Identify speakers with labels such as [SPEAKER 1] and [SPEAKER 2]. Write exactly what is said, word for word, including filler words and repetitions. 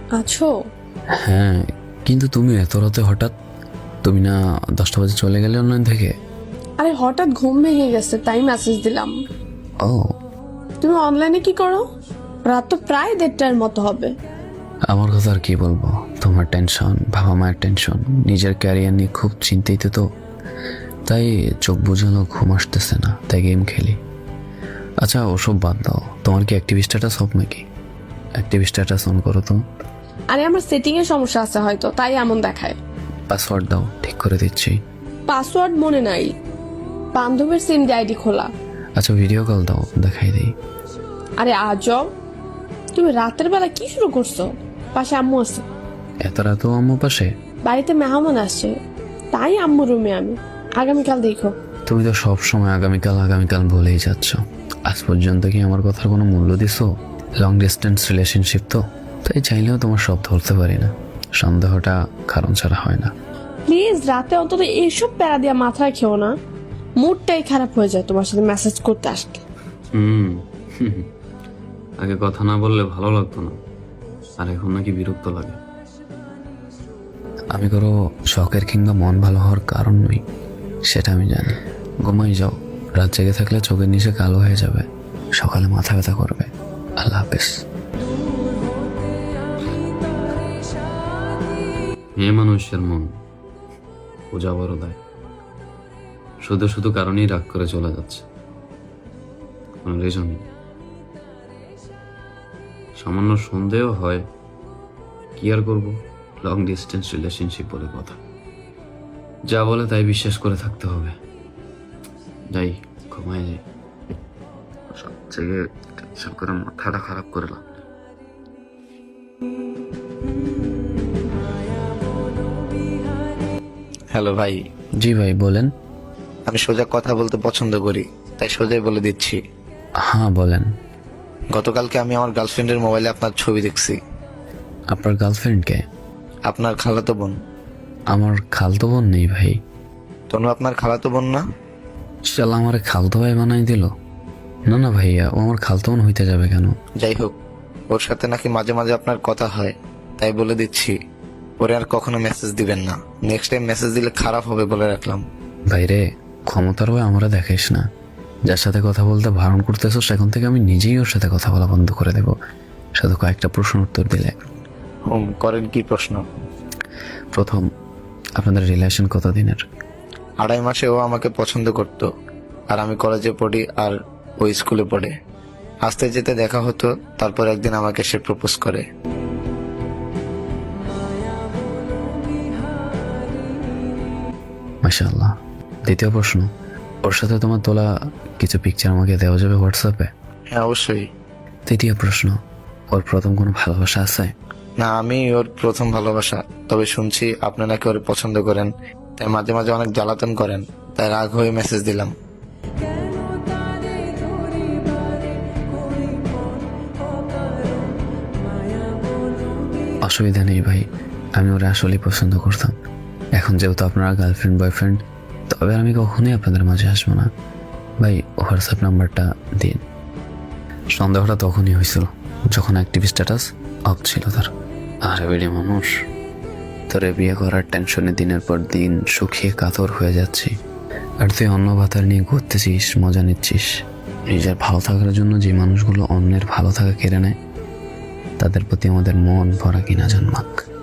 [SPEAKER 1] আছো?
[SPEAKER 2] হ্যাঁ, কিন্তু তুমি এত রাতে হঠাৎ? তুমি না দশটা বাজে চলে গেলে অনলাইন থেকে?
[SPEAKER 1] আরে হঠাৎ ঘুম ভেঙে গেছে তাই মেসেজ দিলাম।
[SPEAKER 2] ও,
[SPEAKER 1] তুমি অনলাইনে কি করো? রাত তো প্রায় দেড়টার মতো হবে।
[SPEAKER 2] আমার কথা আর কি বলবো, তোমার টেনশন, বাবা মায়ের টেনশন, নিজের ক্যারিয়ার নিয়ে খুব চিন্তিত তো, তাই চোখ বুঝানো ঘুম আসতেছে না, তাই গেম খেলি। আচ্ছা ওসব বাদ দাও, তোমার কি অ্যাক্টিভ স্ট্যাটাস অফ নাকি? অ্যাক্টিভ স্ট্যাটাস অন করো তো।
[SPEAKER 1] আরে আমার সেটিং এর সমস্যা আছে হয়তো, তাই এমন দেখায়।
[SPEAKER 2] পাসওয়ার্ড দাও, ঠিক করে দিচ্ছি।
[SPEAKER 1] পাসওয়ার্ড মনে নাই, বান্ধবীর সিম দিয়ে আইডি খোলা।
[SPEAKER 2] আচ্ছা ভিডিও কল দাও, দেখাই দিই।
[SPEAKER 1] আরে আজব, তুমি রাতের বেলা কি শুরু করছো? পাশে আম্মু আছে।
[SPEAKER 2] এত রাতেও আম্মু পাশে?
[SPEAKER 1] বাড়িতে মেহমান আসছে, তাই আম্মু রুমে আমি। আগামীকাল দেখো।
[SPEAKER 2] তুমি তো সব সময় আগামীকাল আগামীকাল বলেই যাচ্ছ। আজ পর্যন্ত কি আমার কথার কোনো মূল্য দিছো? লং ডিস্টেন্স রিলেশনশিপ তো, তাই চাইলেও তোমার সব ধরতে পারি না। সন্দেহটা কারণ ছাড়া হয় না।
[SPEAKER 1] প্লিজ রাতে অন্তত এইসব প্যারা দিয়া মাথায় খেও না, মুডটাই খারাপ হয়ে যায় তোমার সাথে মেসেজ করতে আসলে।
[SPEAKER 2] হুম আগে কথা না বললে ভালো লাগতো না, আর এখন নাকি বিরক্ত লাগে। আমি কোনো শখের কিংবা মন ভালো হওয়ার কারণ নই, সেটা আমি জানি। ঘুমাই যাও, রাত জেগে থাকলে চোখের নিচে কালো হয়ে যাবে, সকালে মাথা ব্যথা করবে। আল্লাহ হাফেজ। মেয়ে মানুষের মন পূজা বড় দেয়, শুধু শুধু কারণেই রাগ করে চলে যাচ্ছে, কোনো রিজন নেই। সামান্য সন্দেহ হয়, কি আর করবো, লং ডিস্টেন্স রিলেশনশিপ বলে কথা, যা বলে তাই বিশ্বাস করে থাকতে হবে। যাই ঘুমায় যাই, সব থেকে টেনশন করে মাথাটা খারাপ করলাম।
[SPEAKER 3] হ্যালো ভাই,
[SPEAKER 2] জি ভাই বলেন।
[SPEAKER 3] আমি সোজা কথা বলতে পছন্দ করি, তাই সোজাই বলে দিচ্ছি।
[SPEAKER 2] হ্যাঁ বলেন।
[SPEAKER 3] গতকালকে আমি আমার গার্লফ্রেন্ডের মোবাইলে আপনার ছবি দেখছি।
[SPEAKER 2] আপনার গার্লফ্রেন্ডকে?
[SPEAKER 3] আপনার খালাতো বোন।
[SPEAKER 2] আমার খালতো বোন নেই ভাই।
[SPEAKER 3] তনু আপনার খালাতো বোন না?
[SPEAKER 2] শালা আমার খালতো ভাই বানাই দিল। না না ভাইয়া, ও আমার খালতো বোন হইতে যাবে কেন?
[SPEAKER 3] যাই হোক, ওর সাথে নাকি মাঝে মাঝে আপনার কথা হয়, তাই বলে দিচ্ছি ওরে আর কখনো মেসেজ দিবেন না। নেক্সট টাইম মেসেজ দিলে খারাপ হবে বলে রাখলাম।
[SPEAKER 2] ভাইরে, ক্ষমতার ভয় আমরা দেখাইস না। যার সাথে কথা বলতে বারণ করতেছো সেখান থেকে আমি নিজেই ওর সাথে কথা বলা বন্ধ করে দেব, শুধু কয়েকটা প্রশ্ন উত্তর দিলে।
[SPEAKER 3] হুম, করেন কি প্রশ্ন?
[SPEAKER 2] প্রথম, আপনাদের রিলেশন কতদিনের?
[SPEAKER 3] আড়াই মাসে ও আমাকে পছন্দ করত, আর আমি কলেজে পড়ি আর ও স্কুলে পড়ে। আসতে যেতে দেখা হতো, তারপর একদিন আমাকে সে প্রপোজ করে।
[SPEAKER 2] মাশাআল্লাহ। দ্বিতীয় প্রশ্ন, ওর সাথে তোমার তোলা কিছু পিকচার আমাকে দেওয়া যাবে হোয়াটসঅ্যাপে?
[SPEAKER 3] হ্যাঁ অবশ্যই।
[SPEAKER 2] তৃতীয় প্রশ্ন, ওর প্রথম কোনো ভালোবাসা আছে?
[SPEAKER 3] না, আমি ওর প্রথম ভালোবাসা। তবে শুনছি আপনি নাকি ওর পছন্দ করেন, তাই মাঝে মাঝে অনেক জ্বালাতন করেন, তাই রাগ হয়ে মেসেজ দিলাম।
[SPEAKER 2] অসুবিধা নেই ভাই, আমি ওরা আসলেই পছন্দ করতাম। এখন যেহেতু আপনারা গার্লফ্রেন্ড বয়ফ্রেন্ড, তবে আমি কখনোই আপনাদের মাঝে আসবো না। ভাই হোয়াটসঅ্যাপ নাম্বারটা দিন। সন্দেহটা তখনই হয়েছিল যখন অ্যাক্টিভ স্ট্যাটাস অফ ছিল তার। আরে বেড়ি মানুষ, তোরে বিয়ে করার টেনশনে দিনের পর দিন শুকিয়ে কাতর হয়ে যাচ্ছি, আর তুই অন্য ভাতার নিয়ে ঘুরতেছিস, মজা নিচ্ছিস। নিজের ভালো থাকার জন্য যে মানুষগুলো অন্যের ভালো থাকা কেড়ে নেয়, তাদের প্রতি আমাদের মন ভরা কিনা জন্মাক।